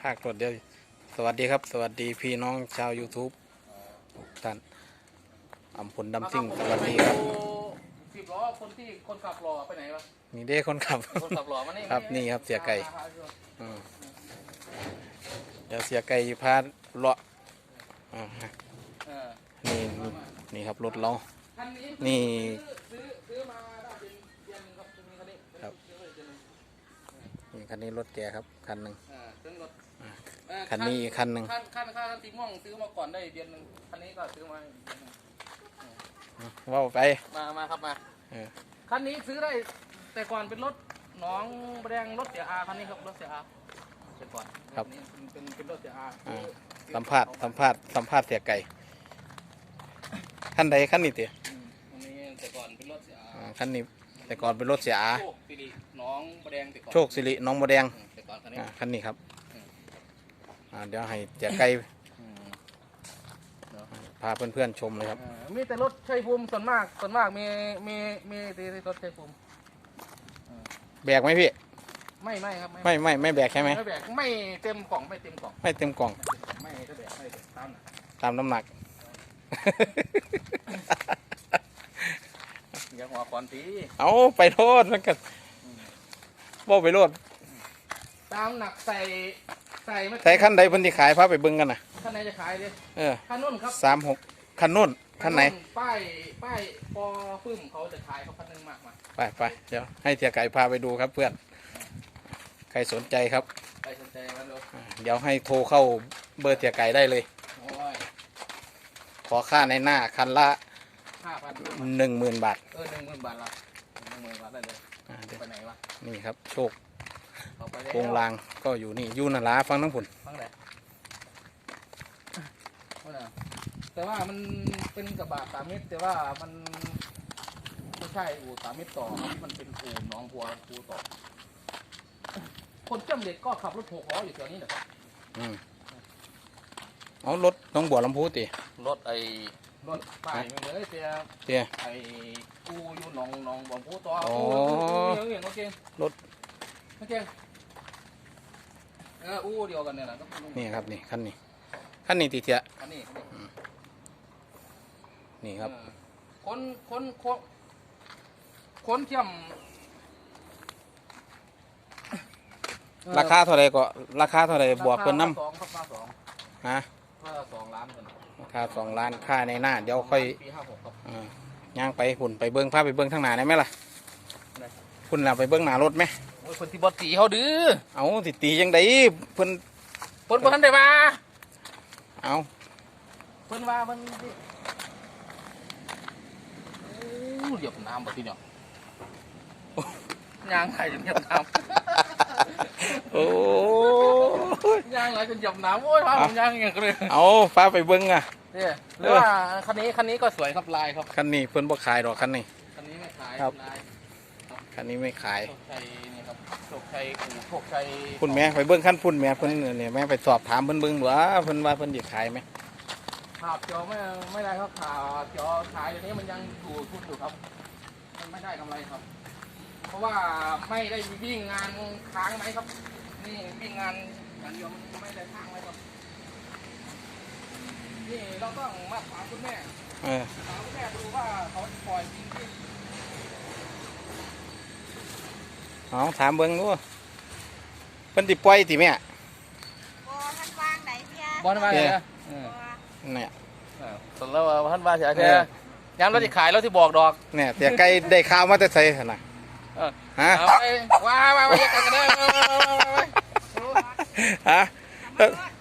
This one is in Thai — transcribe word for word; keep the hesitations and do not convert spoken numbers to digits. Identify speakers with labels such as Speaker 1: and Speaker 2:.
Speaker 1: ภาครถเดียวสวัสดีครับสวัสดีพี่น้องชาว YouTube ทุกท่านอำพลดำซิ่งสวัสดีครับ
Speaker 2: สิบล้อคนที่คนขับรอไปไหนวะ
Speaker 1: นี่เด้คนขับ
Speaker 2: คนขับรอมานี่
Speaker 1: ครับนี่ครับเสียไก่เดี๋ยวเสียไก่พาเลาะนี่นี่ครับรถเรานี่
Speaker 2: ซื้อมาได้เป็นเดือนครับคันนี้
Speaker 1: ครับนี่คันนี้รถแกครับคันหนึ่ง
Speaker 2: คัน
Speaker 1: นี้อีกคันหนึ่ง
Speaker 2: คันคันคันสีม่วงซื้อมาก่อนได้เดือนหนึ่งคันนี้ก็ซื้อมา
Speaker 1: ว่าไป
Speaker 2: มามาครับมาคันนี้ซื้อได้แต่ก่อนเป็นรถหนองแดงรถเสียอาคันนี้ครับรถเสียอาแต่ก่อน
Speaker 1: ครับ
Speaker 2: เป็นเป็นรถเสียอา
Speaker 1: สัมภาษณ์สัมภาษณ์สัมภาษณ์เสียไก่ขั้นใดขั้นนี้เตี๋ย
Speaker 2: คันนี้แต่ก่อนเป็นรถเสียอา
Speaker 1: ขั้นนี้แต่ก่อนเป็นรถเสียอา
Speaker 2: โชคสิริน้องบแดงแต่ก่อน
Speaker 1: โชคสิริน้องบแดง
Speaker 2: แต่ก่อนคันนี้
Speaker 1: คันนี้ครับเดี๋ยวให้เสียไก่พาเพื่อนๆชมเลยครับ
Speaker 2: มีแต่รถชัยภูมิส่วนมากส่วนมากมีมีมีแต่รถชัยภูมิ
Speaker 1: แบกไหมพี่
Speaker 2: ไม่ไม่ครับ
Speaker 1: ไม่ไม่ไม่แบกใช่ไหม
Speaker 2: ไม่แบกไม่เต็มกล่องไม่เต็มกล่อง
Speaker 1: ไม่เต็มกล่อง
Speaker 2: ไม่ก็แบกไม่ตาม
Speaker 1: ตามน้ำหนัก
Speaker 2: อย่าหัวคอนตี
Speaker 1: เอาไปโทษแล้วกันบ่ไปโทษ
Speaker 2: ตามหนักใส่ใส่
Speaker 1: ใส่ขั้นใดพันที่ขายพาไปเบิ้งกันนะ
Speaker 2: ขั้นไหนจะขายเลย
Speaker 1: เออ
Speaker 2: ขั้นนุ่นครับ
Speaker 1: สามหกขั้นนุ่นขั้นไหน
Speaker 2: ป้ายป้ายปอปึ้มเขาจะขายเขาขั้นนึงมากมา
Speaker 1: ไปไปเดี๋ยวให้เทียไก่พาไปดูครับเพื่อนใครสนใจครับ
Speaker 2: ใครสนใจมาดู
Speaker 1: เดี๋ยวให้โทรเข้าเบอร์เทียไก่ได้เลยขอค่าในหน้าคันละ
Speaker 2: ห้าพัน
Speaker 1: หนึ่งหมื่นบาท
Speaker 2: เออหนึ่งหมื่นบาทละหนึ่งหมื่นบาทได้เลยไปไหนวะ
Speaker 1: นี่ครับโชคโครงรางก็อยู่นี่ยูนาลาฟังทั้งผุน
Speaker 2: ฟังไหนแต่ว่ามันเป็นกระบะสามมิตรแต่ว่ามันไม่ใช่อู่สามมิตรต่อมันเป็นอู่น้องหัวอู่ต่อคนเจ้าเด็กก็ขับรถหกล้ออยู่แถวนี้แหละครับ
Speaker 1: อืมเอารถน้องบัวลำพูตี
Speaker 2: รถไอ้รถป้ายมันเลยเตี้ย
Speaker 1: เตี้ย
Speaker 2: ไอ้อูอยู่หนองหนองบัวลำพูต่อ
Speaker 1: อู
Speaker 2: เงี้ยเงี้ยโอเค
Speaker 1: รถ
Speaker 2: โอเคเอออูเดียวกันเนี่ยแหละ
Speaker 1: นี่ครับนี่คันนี้คันนี้ตีเทีย
Speaker 2: คันนี้
Speaker 1: นี่ครับ
Speaker 2: คนคนคนคนเทียม
Speaker 1: ราคาเท่าไรก็ราคาเท่าไรบวกเพิ่นน้
Speaker 2: ำสองครับมาสอง
Speaker 1: ฮะ
Speaker 2: ค่าสองล้านกัน
Speaker 1: ราคาสองล้านค่าในหน้าเดี๋ยวค่อยย่างไปหุ่นไปเบิ้งภาพไปเบิ้งทางหน้าได้ไหมล่ะคุณเราไปเบิ้งหน้ารถไหม
Speaker 2: โอ้ยคนที่บอสตีเขาดื้อ
Speaker 1: เอาติตียังไงเพิ่น
Speaker 2: เพิ่นเพิ่นได้มา
Speaker 1: เอา
Speaker 2: เพิ่นว่ามันเหยียบน้ำแบบที่เนี่ยยางไหลจนเหยียบน้
Speaker 1: ำโอ้
Speaker 2: ยางไหลจนเหยียบน้ำโอ้ยพาผมยางอย่างเลย
Speaker 1: เอาฟ้าไปเบิ้งอ่ะ
Speaker 2: เนี่ยหรือว่าคันนี้คันนี้ก็สวยครับลายครับ
Speaker 1: คันนี้เพิ่นบ่ขายหรอกคันนี้
Speaker 2: คันนี้ไม่ขาย
Speaker 1: ครับคันนี้ไม่ขาย
Speaker 2: โชคชัยนี่ครับโชคชัยอู่โชคชัย
Speaker 1: พุ่นแม่ไปเบิ้งขั้นพุ่นแม่เพิ่นเนี่ยแม่ไปสอบถามเพิ่นเบิ้งว่าเพิ่นว่าเพิ่นจะขายไหม
Speaker 2: ขาบจอไม่ไม่ได้ครับขาบจอขายอย่างนี้มันยังอยู่ทุนอยู่ครับมันไม่ได้กำไรครับเพราะว่าไม่ได้วิ่งงานค้างไหมครับนี่วิ่งงานอย่างเดียวมันไม่ได้ค้างไหมครับนี่เราต้องมาถามคุณแม่ถามคุณแม่ดูว่าเขาปล่อยจริงจริง
Speaker 1: อ๋อถามเบิ้งดูเพิ่นติปล่อยติแม่
Speaker 3: บอท่านวางไหนเพีย
Speaker 2: บอลมาเลยนะ
Speaker 1: เนี่ย
Speaker 2: ส่วนแล้วท่านว่าเสียแค่ย้ำเราจะขายเราที่บอกดอก
Speaker 1: เนี่ยแต่ไก่ได้ข้าวมาแต่ใส่ขนาดฮะ
Speaker 2: ว้าวว้าวว้าวกันได้
Speaker 1: ฮะ